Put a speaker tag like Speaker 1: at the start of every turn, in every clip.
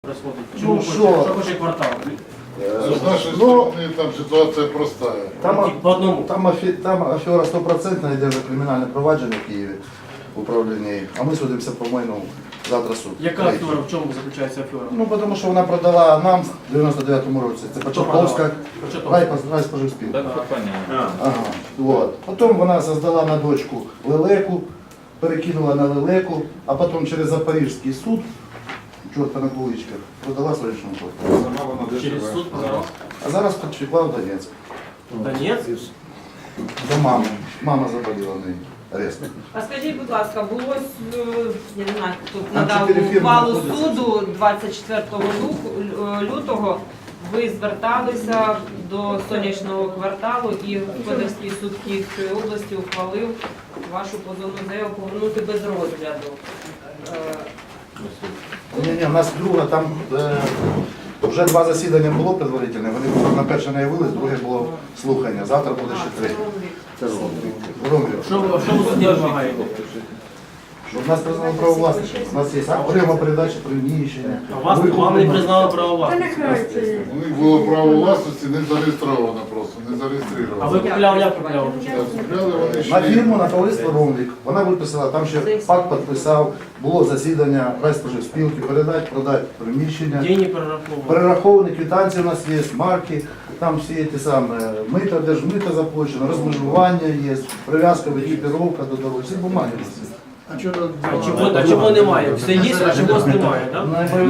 Speaker 1: Ну
Speaker 2: що хоче квартал?
Speaker 1: С нашей стороны там ситуация простая.
Speaker 2: Там афера 100% йде вже кримінальне провадження в Києві в управлінні, а ми судимося по майну завтра суд.
Speaker 3: Яка афера? В чому заключається афера?
Speaker 2: Ну, тому що вона продала нам в 99-му році. Це Початковська райспоживспілка. Ага. Вот. Потім вона создала на дочку лелеку, перекинула на лелеку, а потім через Запорізький суд, чорта на куличках, продала сонячному квартиру.
Speaker 3: Через суд продала?
Speaker 2: А зараз підшикла в Донецьк.
Speaker 3: Донецьк?
Speaker 2: До мами. Мама заболіла в неї. Резко.
Speaker 4: А скажіть, будь ласка, було, я не знаю, хто
Speaker 2: Там
Speaker 4: надав
Speaker 2: 4 фірми
Speaker 4: ухвалу
Speaker 2: знаходяться.
Speaker 4: суду 24 лютого, ви зверталися до сонячного кварталу і Господарський суд Київської області ухвалив вашу позовну заяву повернути без розгляду.
Speaker 2: Ні, у нас друга, там вже 2 засідання було предварительне, вони на перше не явились, друге було слухання, завтра буде ще 3.
Speaker 3: Що ви суді вимагаєте?
Speaker 2: Щоб нас признали право власності. У нас є окрема передача приміщення.
Speaker 3: А вам не признали право власності?
Speaker 1: У них було право власності не зареєстровано просто, не
Speaker 3: А
Speaker 1: зареєстровано.
Speaker 3: ви купляли, як купляли?
Speaker 1: Купляли вони
Speaker 2: На
Speaker 1: ще.
Speaker 2: фірму, на товариство «Ромвік». Вона виписала, там ще пакт підписав, було засідання райспоживспілки, передати, продати приміщення.
Speaker 3: Деньги перераховували.
Speaker 2: Перераховані квитанції у нас є, марки, там всі ті самі, мито, держмито заплачено, розмежування є, прив'язка, екіпіровка до дороги, всі бумаги у нас є.
Speaker 3: А чого немає? Все є, а чогось немає, так?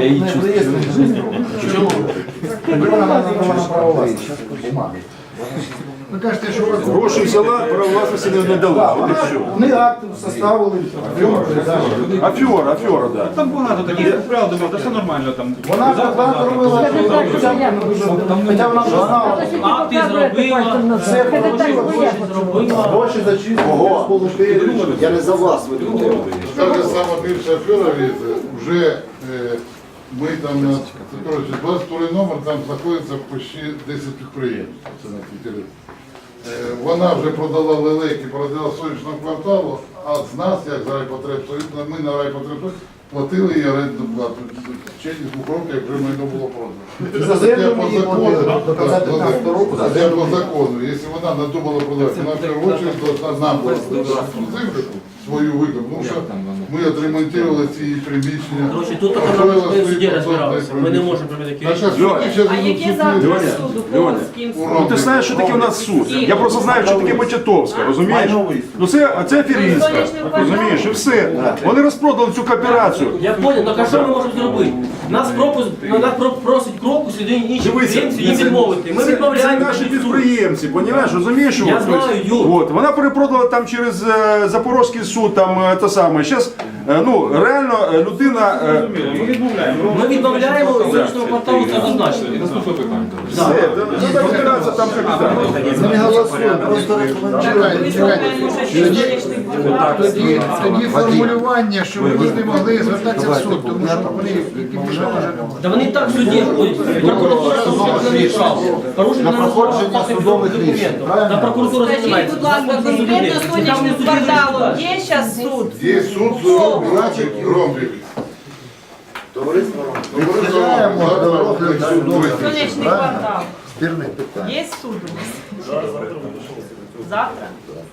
Speaker 3: Чому?
Speaker 2: Вона надавала право власності, бумаги.
Speaker 5: Ви кажете, що ви
Speaker 6: Гроші взяла, право власності не дала.
Speaker 2: Вони акти составили, передали.
Speaker 6: Афера, да.
Speaker 7: Там багато таких купляв, думав, та все нормально там.
Speaker 2: Вона багато робила, хоча вона вже знала.
Speaker 3: Акти зробила,
Speaker 2: Все
Speaker 3: гроші зробила.
Speaker 2: гроші зачислили, сполучили.
Speaker 5: Я не за вас веду.
Speaker 1: Та ж сама більша афера, видите, вже ми там на 22 номер, там знаходиться почти 10 підприємств. Це на Твіттері. Вона вже продала лелеки, продала сонячного кварталу, а з нас, як з райпотребсоюзу, ми на райпотребсоюзу платили їй орендну плату. В течение 2 років, як вже майно було продано.
Speaker 2: За землю ми її платили до кінця 15 року.
Speaker 1: Це по закону. Якщо вона надумала продавати, вона в першу чергу должна нам продати землю свою виду. Тому що ми отремонтували ці приміщення.
Speaker 3: Короче, тут тільки нам в суді розбиралися. Ми не можемо прийняти
Speaker 4: А яке завтра суд у кого з ким суд?
Speaker 6: Ну ти знаєш, що таке у нас суд. Я просто знаю, що таке Початовська, розумієш? Ну це аферістка, розумієш, і все. Вони розпродали цю кооперацію.
Speaker 3: Я понял, так а що ми можемо зробити? Нас просить кроку сюди інші підприємці їм відмовити. Ми
Speaker 6: Це
Speaker 3: відмовляємо.
Speaker 6: наші підприємці, понімаєш, розумієш?
Speaker 3: Я
Speaker 6: от,
Speaker 3: знаю, Юр.
Speaker 6: От, вона перепродала там через Запорізький суд, там те саме. Зараз, ну, реально людина...
Speaker 7: Ми відмовляємо.
Speaker 3: Ми відмовляємо сонячного кварталу, це однозначно.
Speaker 7: Наступне питання.
Speaker 6: Все, треба розбиратися там капітально.
Speaker 2: Ми не голосуємо, просто
Speaker 5: Тоді формулювання, що ви не могли звертатися в суд, тому що вони вже
Speaker 3: Та вони і так в суді ходять. Прокуратура не рішала. Порушення
Speaker 2: проходження судових рішень, правильно?
Speaker 3: Та прокуратура
Speaker 4: Скажіть,
Speaker 3: займається.
Speaker 4: будь ласка, конкретно сонячним кварталом є зараз суд?
Speaker 1: Є суд з Ромбів.
Speaker 2: Відхиляємо до розгляду судових рішень,
Speaker 4: Сонячний
Speaker 2: правильно?
Speaker 4: квартал.
Speaker 2: Спірних питань.
Speaker 4: Є суд у нас? Завтра?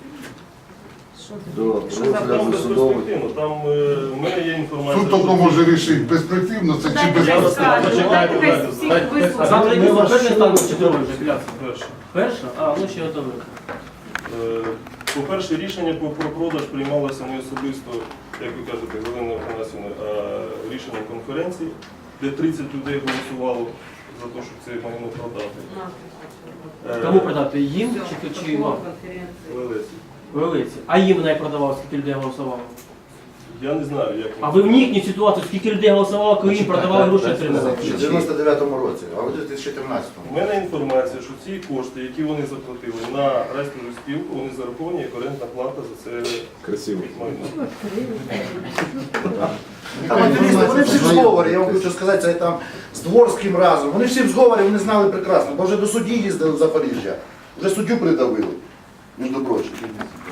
Speaker 2: До розгляду судових.
Speaker 8: Там в мене є інформація.
Speaker 1: Суд тільки може рішити, перспективно це чи
Speaker 4: Дайте хай
Speaker 1: безперспективно.
Speaker 4: скаже, дайте хай всіх
Speaker 3: А
Speaker 4: вислухає.
Speaker 3: завтра який перший стан чи другий вже кляться?
Speaker 8: Перше.
Speaker 3: Перша? А, ну ще готовий.
Speaker 8: По-перше, рішення про продаж приймалося не особисто, як ви кажете, Галина Афанасівна, а рішенням конференції, де 30 людей голосувало за те, щоб це майно продати.
Speaker 3: Кому продати? Їм чи вам?
Speaker 8: Лелесі.
Speaker 3: Велиці. А їм не продавав, скільки людей голосувало?
Speaker 8: Я не знаю, як
Speaker 3: А ви вникніть ситуацію, скільки людей голосувало, коли їм продавали гроші отримали?
Speaker 2: В 99-му році, а в 2014-му.
Speaker 8: У мене інформація, що ці кошти, які вони заплатили на райспоживспілку, вони зараховані як орендна плата за це
Speaker 6: Красиво.
Speaker 8: майно.
Speaker 2: Вони всі в зговорі, я вам хочу сказати, це там з Дворським разом. Вони всі в зговорі, вони знали прекрасно, бо вже до судді їздили в Запоріжжя. Вже суддю придавили, між прочим.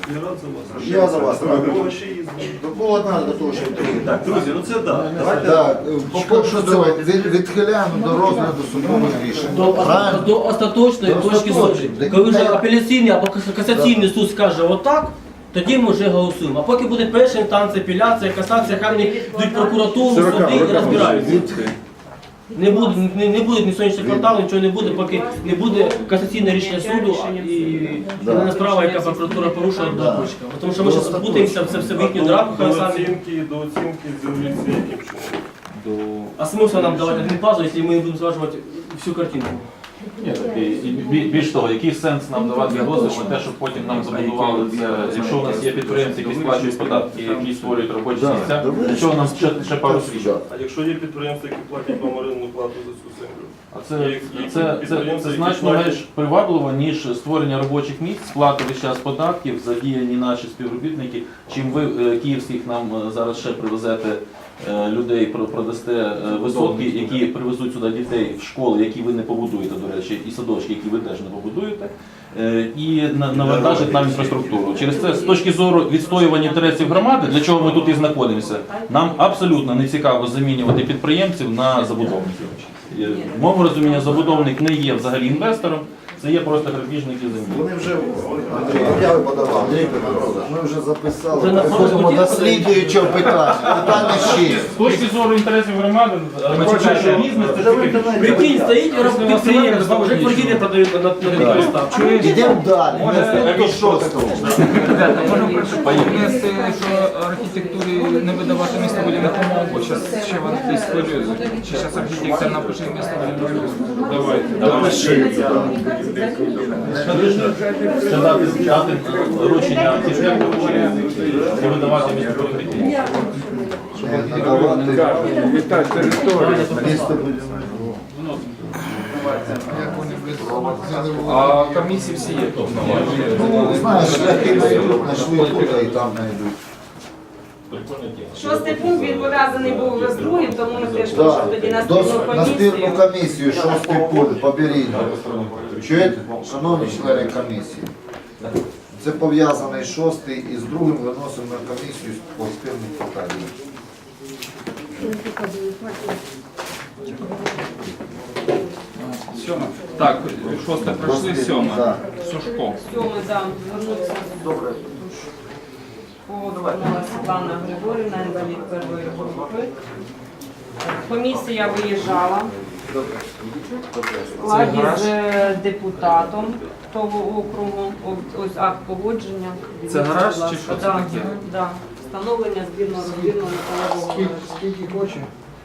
Speaker 8: Я рад за вас.
Speaker 2: Я за вас радий.
Speaker 8: Кого ще є?
Speaker 2: Було треба до того, щоб
Speaker 8: Так, друзі, ну це так. Давайте.
Speaker 2: Так, по-перше, відхиляємо до розгляду судових рішень. Правильно?
Speaker 3: До остаточної
Speaker 2: До
Speaker 3: точки зору.
Speaker 2: остаточної.
Speaker 3: Коли вже апеляційний або касаційний суд скаже отак, тоді ми вже голосуємо. А поки буде перша інстанція, апеляція, касація, хай вони йдуть в прокуратуру, суди і розбираються. Не буде ні сонячного кварталу, нічого не буде, поки не буде касаційне рішення суду і не справа, яка прокуратура порушила до почка. Тому що ми зараз путаємося в це все в їхню драку,
Speaker 8: До
Speaker 3: хай самі.
Speaker 8: оцінки землі це яким чином?
Speaker 3: А смисл нам давати один пазл, якщо ми не будемо зважувати всю картину?
Speaker 9: Ні, і більш того, який сенс нам давати дозвіл на те, щоб потім нам забудували це, якщо у нас є підприємці, які сплачують податки, які створюють робочі місця, для чого нам ще пару свідчень?
Speaker 8: А якщо є підприємства, які платять вам орендну плату за цю землю?
Speaker 9: А це значно менш привабливо, ніж створення робочих місць, сплата весь час податків, задіяні наші співробітники, чим ви київських нам зараз ще привезете людей, продасте висотки, які привезуть сюди дітей в школи, які ви не побудуєте, до речі, і садочки, які ви теж не побудуєте, і навантажить нам інфраструктуру. Через це, з точки зору відстоювання інтересів громади, для чого ми тут і знаходимося, нам абсолютно не цікаво замінювати підприємців на забудовників. В моєму розумінні забудовник не є взагалі інвестором, це є просто грабіжники землі.
Speaker 2: Вони вже об'яви подавали. Ми вже записали.
Speaker 3: Вже на
Speaker 2: Переходимо до слідуючого питання. Питання ще.
Speaker 9: З точки зору інтересів громади, бізнес це тільки
Speaker 3: Прикинь, стоїть підприємство, вже квартири продають на перестав.
Speaker 2: Йдемо далі. Наступне шосте.
Speaker 7: Принести, що архітектурі не видавати містобудівну допомогу, бо зараз ще вони десь хвилюють. Чи зараз архітектор напише містобудівну допомогу? Давайте.
Speaker 9: це дати вручення архітектору чи видавати містобудівні.
Speaker 7: А комісії всі є тут.
Speaker 2: Знаєш, шляхи знайдуть, знайшли тут, а і там знайдуть.
Speaker 4: Шостий пункт він пов'язаний був з другим, тому ми теж хочемо тоді на спільну
Speaker 2: На спільну
Speaker 4: комісію.
Speaker 2: комісію, шостий пункт, поберіть. Чуєте? Шановні члени комісії, це пов'язаний шостий і з другим виносимо на комісію по спільних питаннях.
Speaker 7: Сьоме. Так, шосте пройшли, сьоме.
Speaker 2: Так.
Speaker 7: Сушко.
Speaker 4: Сьомий, да, звернувся повернулася Світлана Григорівна, інвалід першої групи. Комісія виїжджала в складі з депутатом того округу. Ось акт погодження.
Speaker 7: Це гараж чи
Speaker 4: Будь ласка.
Speaker 7: що це
Speaker 4: Да,
Speaker 7: таке?
Speaker 4: да. Встановлення збірно-розбірного металевого гаражу.
Speaker 5: Скільки хоче?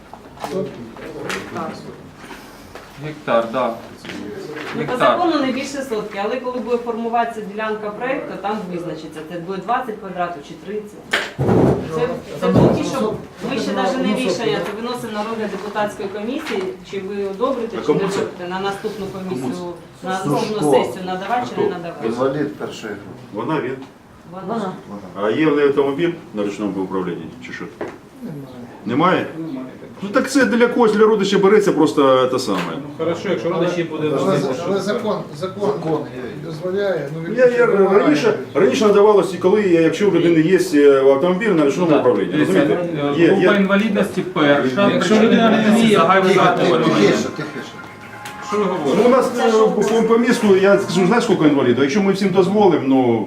Speaker 4: Так.
Speaker 7: Гектар, так.
Speaker 4: Ну, по закону не більше сотки, але коли буде формуватися ділянка проєкту, там визначиться, це буде 20 квадратів чи 30. Це поки що, ми ще навіть не рішення, це виносимо на розгляд депутатської комісії, чи ви одобрите, чи не одобрите, на наступну комісію, на наступну сесію надавати чи не надавати.
Speaker 2: Інвалід першої групи.
Speaker 6: Вона він.
Speaker 4: Вона.
Speaker 6: А є в неї автомобіль на ручному управлінні чи що? Немає? Ну так це для когось, для родича береться просто те саме.
Speaker 7: Хорошо, якщо родичі буде
Speaker 5: Але закон дозволяє. Ну,
Speaker 6: Я раніше надавалося, коли, якщо в людини є автомобіль на ручному управлінні. Розумієте?
Speaker 7: група інвалідності перша. Якщо людина не вміє, загальний
Speaker 2: Тихіше.
Speaker 7: Що ви
Speaker 6: Ну,
Speaker 7: говорите?
Speaker 6: у нас по місту, я скажу, знаєш, скільки інвалідів? Якщо ми всім дозволимо, ну...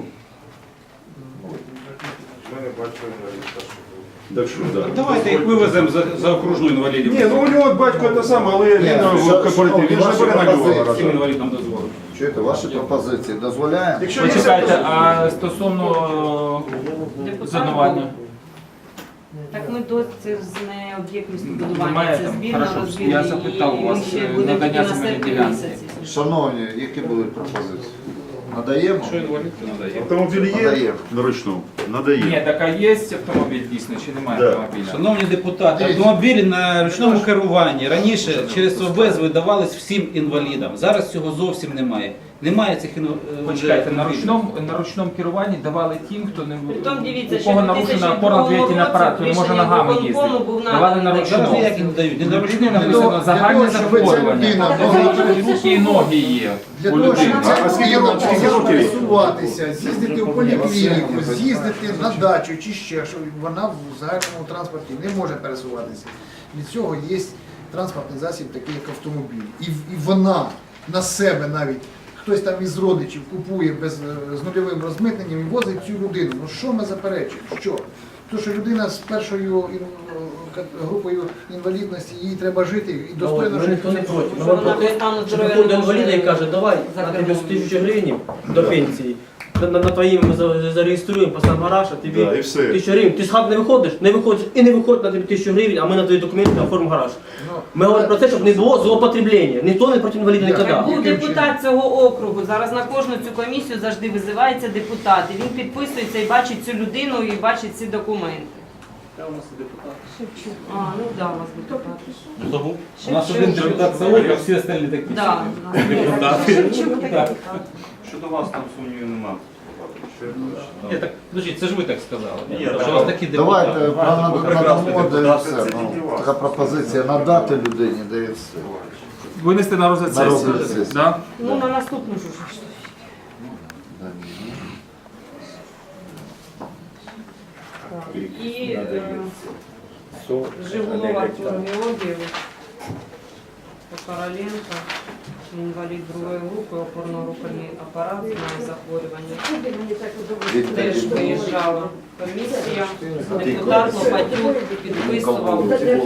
Speaker 6: Так що, да.
Speaker 7: Давайте їх вивеземо за окружну інвалідів.
Speaker 6: Ні, ну у нього батько те саме, але він в кооперативі, він ж не бере на нього.
Speaker 7: Всім інвалідам дозволено.
Speaker 2: Чуєте, ваші пропозиції дозволяємо?
Speaker 6: Якщо є
Speaker 7: Почекайте, а стосовно зонування?
Speaker 4: Так ми до це з не об'єкт містобудування,
Speaker 7: Немає
Speaker 4: це
Speaker 7: там?
Speaker 4: збірно
Speaker 7: Хорошо.
Speaker 4: розбірно.
Speaker 7: Я запитав у вас,
Speaker 4: і ще буде
Speaker 7: надання
Speaker 4: тільки на
Speaker 7: земельної
Speaker 4: серпні
Speaker 7: ділянки.
Speaker 4: місяці.
Speaker 2: Шановні, які будуть пропозиції? Надаємо?
Speaker 7: Що інвалід, то надає.
Speaker 6: автомобіль є
Speaker 2: Надаємо.
Speaker 6: на ручному?
Speaker 7: Ні,
Speaker 6: Надає.
Speaker 7: так а є автомобіль дійсно чи немає
Speaker 6: Да.
Speaker 7: автомобіля?
Speaker 10: Шановні депутати, автомобілі на ручному керуванні раніше через ОБЕЗ видавались всім інвалідам. Зараз цього зовсім немає. Немає цих
Speaker 7: Почекайте, на ручному керуванні давали тим, хто не
Speaker 4: Притом дивіться,
Speaker 7: у
Speaker 4: що
Speaker 7: кого
Speaker 4: в
Speaker 7: нарушена
Speaker 4: 2002
Speaker 7: опорно-двигательний апарат, хто не може
Speaker 4: рішенням
Speaker 7: ногами
Speaker 4: виконкому
Speaker 7: їздити.
Speaker 4: був
Speaker 7: Давали
Speaker 4: наданий
Speaker 7: на
Speaker 4: такий
Speaker 10: Зараз
Speaker 7: ручному.
Speaker 10: ніяк не дають. Не
Speaker 7: На
Speaker 10: дають.
Speaker 7: ручному написано загальне
Speaker 5: щоб ця
Speaker 7: захворювання.
Speaker 5: людина
Speaker 7: Там
Speaker 5: могла
Speaker 7: руки і ноги є
Speaker 5: Для
Speaker 7: у
Speaker 5: того, щоб
Speaker 7: людини.
Speaker 5: ця
Speaker 6: А скільки
Speaker 5: людина
Speaker 6: років?
Speaker 5: могла
Speaker 6: Скільки років?
Speaker 5: пересуватися, з'їздити в поліклініку, з'їздити на дачу чи ще що, вона в загальному транспорті не може пересуватися. Від цього є транспортний засіб, такий як автомобіль. І вона на себе навіть, хтось там із родичів купує з нульовим розмитненням і возить цю людину. Ну що ми заперечуємо? Що? То, що людина з першою групою інвалідності, їй треба жити і достойно
Speaker 3: Ми
Speaker 5: жити.
Speaker 3: ніхто не проти. Ми
Speaker 4: Що
Speaker 3: вам
Speaker 4: вона
Speaker 3: про те,
Speaker 4: по стану
Speaker 3: що
Speaker 4: здоров'я
Speaker 3: приходить до
Speaker 4: не може
Speaker 3: інваліда і каже, давай,
Speaker 4: за
Speaker 3: на тобі
Speaker 4: кермом
Speaker 3: 1000 гривень до пенсії. На твоїм ми зареєструємо, поставимо гараж, а тобі
Speaker 6: Да, і все.
Speaker 3: 1000 гривень. Ти з хати не виходиш, не виходиш і не виходить на тобі 1000 гривень, а ми на твої документи оформимо гараж. Ми говоримо про те, щоб не було злоупотреблення. Ніхто не проти інваліда
Speaker 5: Так.
Speaker 3: ніколи.
Speaker 4: Був депутат цього округу. Зараз на кожну цю комісію завжди визивається депутат. І він підписується і бачить цю людину, і бачить ці документи. А, ну да, у вас депутат.
Speaker 9: Хто був?
Speaker 10: У нас один депутат Савок, а всі остальні такі.
Speaker 4: Да.
Speaker 11: Щодо вас там сумнівів немає.
Speaker 10: Ні, так, подождіть, це ж ви так сказали.
Speaker 11: Ні,
Speaker 10: Що
Speaker 11: так.
Speaker 10: у вас такі
Speaker 2: Давайте
Speaker 10: депутати.
Speaker 2: надамо, де і
Speaker 11: депутати,
Speaker 2: все.
Speaker 11: це
Speaker 2: Ну,
Speaker 11: тільки вас.
Speaker 2: така пропозиція надати людині, де і все.
Speaker 7: Винести на розгляд
Speaker 2: На розгляд
Speaker 7: сесії.
Speaker 2: сесії.
Speaker 7: Да?
Speaker 4: Ну, на наступну ж уже. І Жигулов Артур Георгійович, Короленко, інвалід другої групи, опорно-рухальний апарат, має захворювання. Теж виїжджала комісія, депутат Лопатюк підписував.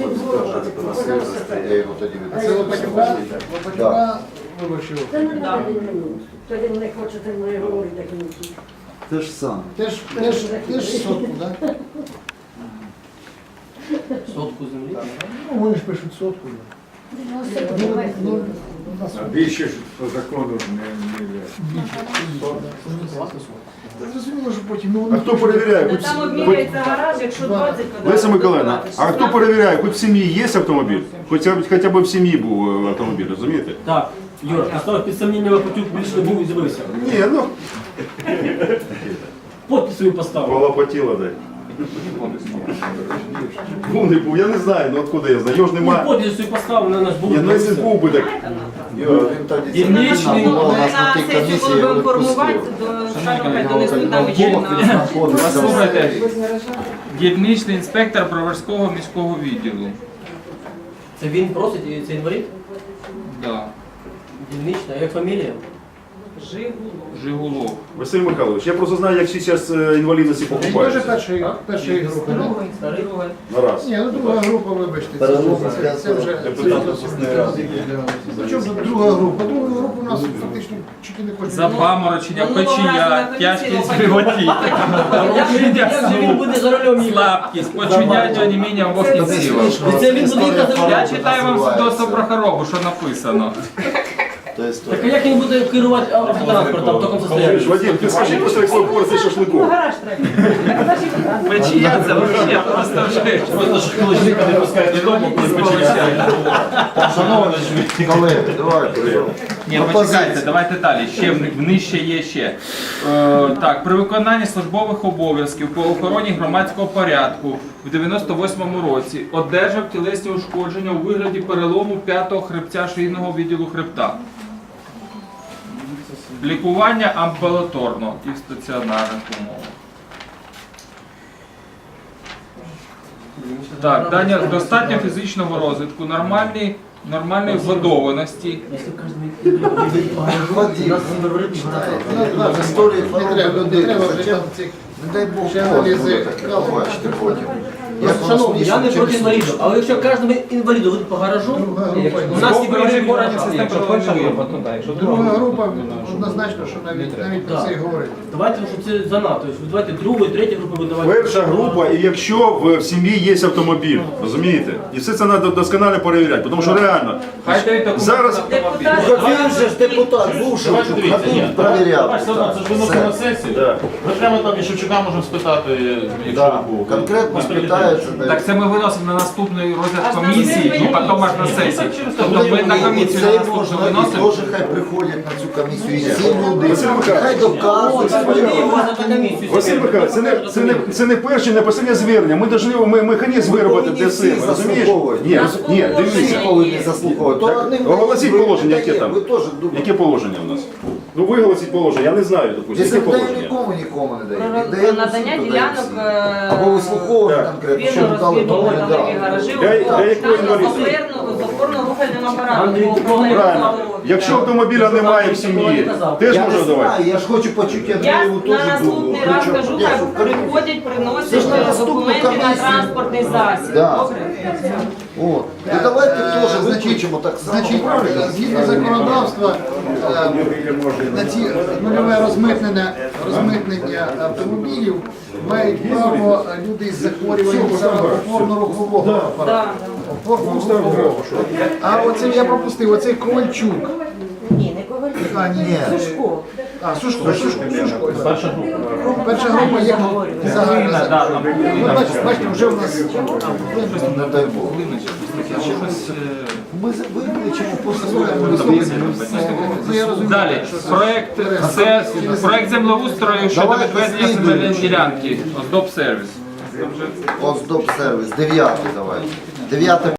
Speaker 2: Я його тоді
Speaker 5: А це Лопатюка виборчий округ.
Speaker 4: Да.
Speaker 12: Тоді не хочете мені говорити, як він.
Speaker 2: Те ж саме.
Speaker 5: Теж сотку, так?
Speaker 3: Сотку землі.
Speaker 5: Ну, вони ж пишуть сотку.
Speaker 11: Більше ж по закону
Speaker 5: Зрозуміло, що потім, ну,
Speaker 6: А хто перевіряє?
Speaker 4: Ну,
Speaker 6: Хоч-
Speaker 4: там
Speaker 6: хоч-
Speaker 4: обміряється гараж, якщо 20 квадратів.
Speaker 6: Леся Миколаївна, а хто перевіряє? Хоч в сім'ї є автомобіль? Хоча б в сім'ї був автомобіль, розумієте?
Speaker 3: Так, Юра, поставив під сумніння Лопатюк більше не був і з'явився.
Speaker 6: Ні, ну,
Speaker 3: Подпис свою поставив.
Speaker 6: полопатіло, дай. Був, не був, я не знаю, ну откуда я знаю, його ж
Speaker 3: Ну,
Speaker 6: немає.
Speaker 3: подпис свою поставив, на нас було.
Speaker 6: Ні, ну якщо був би так.
Speaker 2: Він тоді
Speaker 3: Дільничний,
Speaker 2: була у
Speaker 4: Ми
Speaker 2: нас на
Speaker 4: на
Speaker 2: тій
Speaker 4: сесію,
Speaker 2: комісії,
Speaker 4: коли
Speaker 2: його
Speaker 4: будемо формувати,
Speaker 2: відпустили.
Speaker 4: до Шарова донесуть нам
Speaker 2: Він
Speaker 4: вечірна.
Speaker 2: знаходиться.
Speaker 7: Послухайте, дільничний інспектор Броварського міського відділу.
Speaker 3: Це він просить, і це інвалід?
Speaker 7: Да.
Speaker 3: Дільнична, як фамілія?
Speaker 7: Жигулов.
Speaker 6: Василь Михайлович, я просто знаю, як зараз інвалідності
Speaker 5: Він теж
Speaker 6: покупають.
Speaker 5: першої групи. да?
Speaker 3: Старий?
Speaker 6: На раз.
Speaker 5: Ні, ну друга група, вибачте.
Speaker 2: Переносить
Speaker 5: Це вже Причому тут друга група? Друга група у нас фактично чуть не кожен.
Speaker 7: Запаморочення,
Speaker 4: Минулого разу
Speaker 7: печія,
Speaker 4: на
Speaker 7: тяжкість
Speaker 4: комісії
Speaker 7: животі,
Speaker 3: Як же він буде за рулем їхати?
Speaker 7: слабкість, почуття оніміння обох кінцівок.
Speaker 3: Це він буде їхати за
Speaker 7: Я
Speaker 3: рулем?
Speaker 7: читаю вам свідоцтво про хворобу, що написано.
Speaker 2: Тобто,
Speaker 3: Так а як він буде керувати автотранспортом в такому состоянии?
Speaker 6: Вадим, ти скажи, після якої порції шашликом.
Speaker 7: Печія це взагалі просто вже.
Speaker 9: Просто ж холодильника не пускають додому, коли починається.
Speaker 2: шановні колеги, давайте.
Speaker 7: Ні, почекайте, давайте далі. Ще нижче є ще. Так, при виконанні службових обов'язків по охороні громадського порядку в 98-му році одержав тілесні ушкодження у вигляді перелому 5-го хребця шийного відділу хребта. Лікування амбулаторно і в стаціонарних умовах. Так, Даня, достатньо фізичного розвитку, нормальної вгодованості.
Speaker 3: Якщо кожен
Speaker 2: Історії
Speaker 5: Не
Speaker 2: хвороби
Speaker 5: треба, не
Speaker 2: людини.
Speaker 5: треба вже
Speaker 2: Зачем?
Speaker 5: там цих.
Speaker 2: Не дай Бог,
Speaker 5: Ще аналізи.
Speaker 2: побачите потім. Як воно
Speaker 3: Шановні, я
Speaker 2: смішно,
Speaker 3: не проти
Speaker 2: через
Speaker 3: інвалідів, але якщо кожному інваліду буде по гаражу,
Speaker 5: Друга група.
Speaker 3: у нас
Speaker 7: Добре,
Speaker 3: ніби
Speaker 7: органів систем пролонгує.
Speaker 5: Друга група однозначно, що навіть про це й говорить.
Speaker 3: давайте, щоб це занадто. Давайте другу і третю групу видавати.
Speaker 6: Перша група, і якщо в сім'ї є автомобіль, розумієте? І все це треба досконально перевіряти, тому що реально.
Speaker 7: Хай дають документи
Speaker 6: Зараз-
Speaker 7: на автомобіль.
Speaker 2: Він же ж депутат був, що
Speaker 9: Давайте дивіться, ні.
Speaker 2: провіряв.
Speaker 9: Давай, все одно, це ж виносимо на сесію.
Speaker 6: Да.
Speaker 9: Ми прямо там і Шевчука можемо спитати, якщо
Speaker 2: Да,
Speaker 9: був.
Speaker 2: конкретно
Speaker 9: Без
Speaker 2: спитаємо, виходить,
Speaker 7: Так це ми виносимо на наступний розгляд комісії і потім аж на сесії. Тобто ми на комісію на наступну виносимо.
Speaker 2: Теж хай приходять на цю комісію і всі люди. Хай доказують.
Speaker 6: Василь Михайлович, це не перше, не останнє звернення. Ми повинні механізм виробити для себе, розумієш? Ні, дивіться.
Speaker 2: Не заслуховують.
Speaker 6: Оголосіть положення, яке там?
Speaker 2: Ви теж думаєте.
Speaker 6: Яке положення у нас? Ну виголосіть положення, я не знаю, допустим,
Speaker 2: Якщо
Speaker 6: яке
Speaker 2: дає
Speaker 6: положення.
Speaker 2: нікому не дає.
Speaker 4: Про
Speaker 2: Віддає
Speaker 4: надання
Speaker 2: всім, то дає
Speaker 4: ділянок
Speaker 2: всім. Або вислуховувати конкретно, що
Speaker 4: вільно
Speaker 2: дали, то не
Speaker 4: розбудовані
Speaker 2: дали.
Speaker 4: гаражі,
Speaker 6: Для якої інвалідності?
Speaker 4: з опорно-рухальним апаратом.
Speaker 6: Правильно. Якщо автомобіля немає в сім'ї, теж
Speaker 2: Я
Speaker 6: можна
Speaker 2: не
Speaker 6: давати.
Speaker 2: знаю, я ж хочу почути,
Speaker 4: Я
Speaker 2: Андрієву
Speaker 4: на
Speaker 2: теж думаю.
Speaker 4: наступний раз кажу, хай приходять, приносять документи на транспортний засіб.
Speaker 2: Да.
Speaker 4: Добре?
Speaker 2: О, і давайте теж виключимо так само.
Speaker 5: Значить, згідно законодавства, на ці нульове розмитнення автомобілів мають право люди з захворюванням саме опорно-рухового апарату. Опорно-рухового. А оце я пропустив, оцей Ковальчук.
Speaker 12: Ні, не Ковальчук.
Speaker 5: А, ні.
Speaker 12: Сушко.
Speaker 5: А, Сушко.
Speaker 9: Перша група.
Speaker 5: Перша група є загальна. Бачите, вже у нас
Speaker 2: Не дай Бог. Ми виключимо просто.
Speaker 7: Далі, проект землеустрою щодо
Speaker 2: Давайте
Speaker 7: відведення
Speaker 2: слідуючий.
Speaker 7: земельної ділянки. Оздоб сервіс.
Speaker 2: Оздоб сервіс, 9 давайте. 9